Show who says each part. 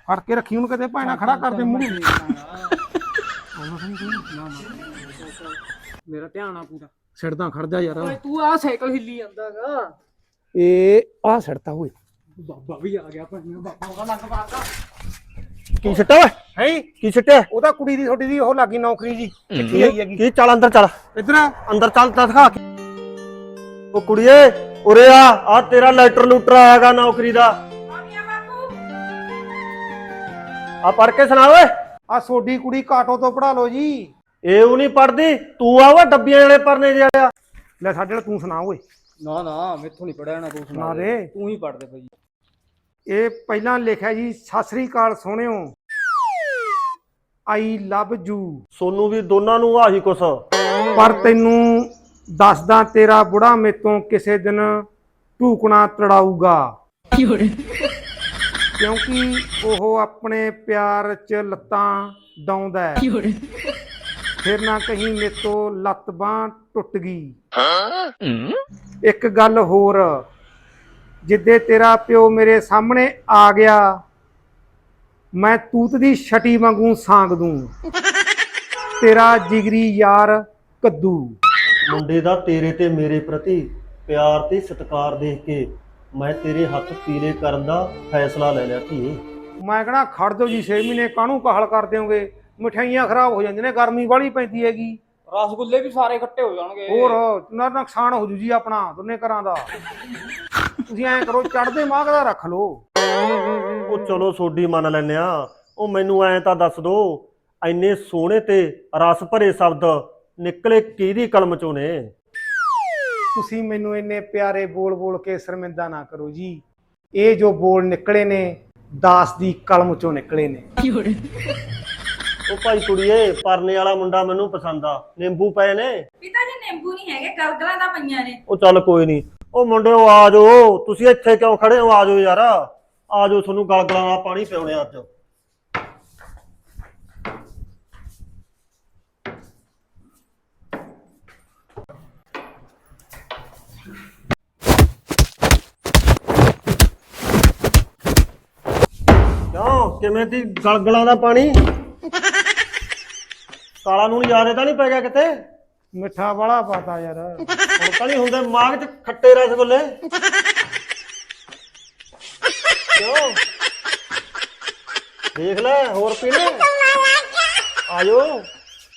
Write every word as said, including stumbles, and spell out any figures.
Speaker 1: ਫੜ ਕੇ ਰੱਖੀ ਉਹਨੂੰ ਕਿਤੇ ਭਾਣਾ ਖੜਾ ਕਰ ਦੇ ਮੂੰਹ
Speaker 2: ਮੇਰਾ ਧਿਆਨ ਆ ਪੂਰਾ
Speaker 1: ਛੱਡਦਾ ਖੜ ਜਾ ਯਾਰ
Speaker 2: ਓਏ ਤੂੰ ਆ ਸਾਈਕਲ ਹਿੱਲੀ ਜਾਂਦਾਗਾ
Speaker 1: ਇਹ ਆ ਛੱਡਤਾ ਓਏ
Speaker 2: ਬਾਬਾ ਵੀ ਆ ਗਿਆ ਭਾਈਆਂ ਬਾਬਾ ਉਹਦਾ ਲੰਗ ਮਾਰਦਾ
Speaker 3: ਕੀ ਛੱਟਿਆ ਓਏ
Speaker 1: ਹੈ
Speaker 3: ਕੀ ਛੱਟਿਆ
Speaker 1: ਉਹਦਾ ਕੁੜੀ ਦੀ ਤੁਹਾਡੀ ਦੀ ਉਹ ਲੱਗੀ ਨੌਕਰੀ ਜੀ ਕਿੱਥੇ ਆਈ ਹੈਗੀ
Speaker 3: ਕੀ ਚੱਲ ਅੰਦਰ ਚੱਲ
Speaker 1: ਇੱਧਰ
Speaker 3: ਅੰਦਰ ਚੱਲ ਤਾਂ ਦਿਖਾ ਕੇ ਉਹ ਕੁੜੀਏ ਉਰੇ ਆ ਆ ਤੇਰਾ ਲੈਟਰ ਲੂਟਰ ਆਇਆਗਾ ਨੌਕਰੀ ਦਾ ਆ ਪੜ ਕੇ ਸੁਣਾ ਓਏ
Speaker 1: ਆ ਸੋਡੀ ਕੁੜੀ ਕਾਟੋ ਤੋਂ ਪੜਾ ਲਓ ਜੀ
Speaker 3: ਇਹ ਉਹ ਨਹੀਂ ਪੜਦੀ ਤੂੰ ਆ ਵਾ ਡੱਬੀਆਂ ਵਾਲੇ ਪਰਨੇ ਜਿਹੜਾ
Speaker 1: ਲੈ ਸਾਡੇ ਨਾਲ ਤੂੰ ਸੁਣਾ ਓਏ
Speaker 2: ਨਾ ਨਾ ਮੈਥੋਂ ਨਹੀਂ ਪੜਿਆ ਨਾ ਤੂੰ
Speaker 1: ਸੁਣਾ ਦੇ
Speaker 2: ਤੂੰ ਹੀ ਪੜ ਦੇ ਭਾਈ
Speaker 1: ਇਹ ਪਹਿਲਾਂ ਲਿਖਿਆ ਜੀ ਸਤਿ ਸ੍ਰੀ ਅਕਾਲ ਸੋਹਣਿਓ ਆਈ ਲਵ ਯੂ
Speaker 3: ਸੋਨੂੰ ਵੀ ਦੋਨਾਂ ਨੂੰ ਆਹੀ ਕੁਛ
Speaker 1: ਪਰ ਤੈਨੂੰ ਦੱਸਦਾ ਤੇਰਾ ਬੁੜਾ ਮੇਤੋਂ ਕਿਸੇ ਦਿਨ ਢੂਕਣਾ ਤੜਾਊਗਾ ਕਿਉਂਕਿ ਉਹ ਆਪਣੇ ਪਿਆਰ 'ਚ ਲੱਤਾਂ ਡਾਉਂਦਾ ਹੈ ਫਿਰ ਨਾ ਕਹੀਂ ਮੇਤੋਂ ਲੱਤ ਬਾਂਹ ਟੁੱਟ ਗਈ ਇੱਕ ਗੱਲ ਹੋਰ ਜਿੱਦੇ ਤੇਰਾ ਪਿਓ ਮੇਰੇ ਸਾਹਮਣੇ ਆ ਗਿਆ ਮੈਂ ਤੂਤ ਦੀ ਛਟੀ ਵਾਂਗੂ ਸਾਂਗ ਦੂੰ ਤੇਰਾ ਜਿਗਰੀ ਯਾਰ ਕੱਦੂ
Speaker 3: ਮੁੰਡੇ ਦਾ ਤੇਰੇ ਤੇ ਮੇਰੇ ਪ੍ਰਤੀ ਪਿਆਰ ਤੇ ਸਤਿਕਾਰ ਦੇਖ ਕੇ ਮੈਂ ਤੇਰੇ ਹੱਥ ਪੀਲੇ ਕਰਨ ਦਾ ਫੈਸਲਾ ਲੈ ਲਿਆ ਧੀਏ
Speaker 1: ਮੈਂ ਕਹਣਾ ਖੜ ਜਾਓ ਜੀ ਛੇ ਮਹੀਨੇ ਕਾਹਨੂੰ ਕਾਹਲ ਕਰ ਦਿਓਗੇ ਮਠਿਆਈਆਂ ਖਰਾਬ ਹੋ ਜਾਂਦੀਆਂ ਨੇ ਗਰਮੀ ਵਾਲੀ ਪੈਂਦੀ ਹੈਗੀ
Speaker 2: ਰਸਗੁੱਲੇ ਵੀ ਸਾਰੇ ਇਕੱਠੇ ਹੋ ਜਾਣਗੇ
Speaker 1: ਹੋਰ ਨਾ ਨੁਕਸਾਨ ਹੋ ਜੂ ਜੀ ਆਪਣਾ ਦੋਨੇ ਘਰਾਂ ਦਾ ਤੁਸੀਂ ਐਂ ਕਰੋ ਚੜਦੇ ਮਾਘ ਦਾ ਰੱਖ ਲਓ
Speaker 3: ਉਹ ਚਲੋ ਸੋਡੀ ਮੰਨ ਲੈਨੇ ਆ ਉਹ ਮੈਨੂੰ ਐਂ ਤਾਂ ਦੱਸ ਦੋ ਐਨੇ ਸੋਹਣੇ ਤੇ ਰਸ ਭਰੇ ਸ਼ਬਦ ਨਿਕਲੇ ਕਿਹਦੀ ਕਲਮ ਚੋਂ ਨੇ
Speaker 1: ਤੁਸੀਂ ਮੈਨੂੰ ਇੰਨੇ ਪਿਆਰੇ ਬੋਲ ਬੋਲ ਕੇ ਸ਼ਰਮਿੰਦਾ ਨਾ ਕਰੋ ਜੀ ਇਹ ਜੋ ਬੋਲ ਨਿਕਲੇ ਨੇ ਦਾਸ ਦੀ ਕਲਮ ਚੋਂ ਨਿਕਲੇ ਨੇ
Speaker 3: ਉਹ ਭਾਈ ਕੁੜੀਏ ਪਰਨੇ ਵਾਲਾ ਮੁੰਡਾ ਮੈਨੂੰ ਪਸੰਦ ਆ ਨਿੰਬੂ ਪਏ ਨੇ
Speaker 4: ਪਿਤਾ ਜੀ ਨਿੰਬੂ ਨਹੀਂ ਹੈਗੇ ਗਲਗਲਾਂ ਦਾ ਪਈਆਂ ਨੇ
Speaker 3: ਉਹ ਚੱਲ ਕੋਈ ਨਹੀਂ ਉਹ ਮੁੰਡਿਓ ਆ ਜਾਓ ਤੁਸੀਂ ਇੱਥੇ ਕਿਉਂ ਖੜੇ ਹੋ ਆ ਜਾਓ ਯਾਰ ਆ ਜਾਓ ਤੁਹਾਨੂੰ ਗਲਗਲਾਂ ਦਾ ਪਾਣੀ ਪਿਉਣੇ ਅੱਜ ਕਿਉਂ ਕਿਵੇਂ ਦੀ ਗਲਗਲਾਂ ਦਾ ਪਾਣੀ ਕਾਲਾ ਨੂੰ ਯਾਦ ਤਾਂ ਨਹੀਂ ਪੈ ਗਿਆ ਕਿਤੇ
Speaker 1: ਮਿੱਠਾ ਵਾਲਾ ਪਤਾ ਯਾਰ
Speaker 3: ਹੁਣ ਤਾਂ ਨਹੀਂ ਹੁੰਦੇ ਮਾਗ ਚ ਖੱਟੇ ਰਸਗੁੱਲੇ ਕਿਉਂ ਦੇਖ ਲੈ ਹੋਰ ਪੀਣੇ ਆਜੋ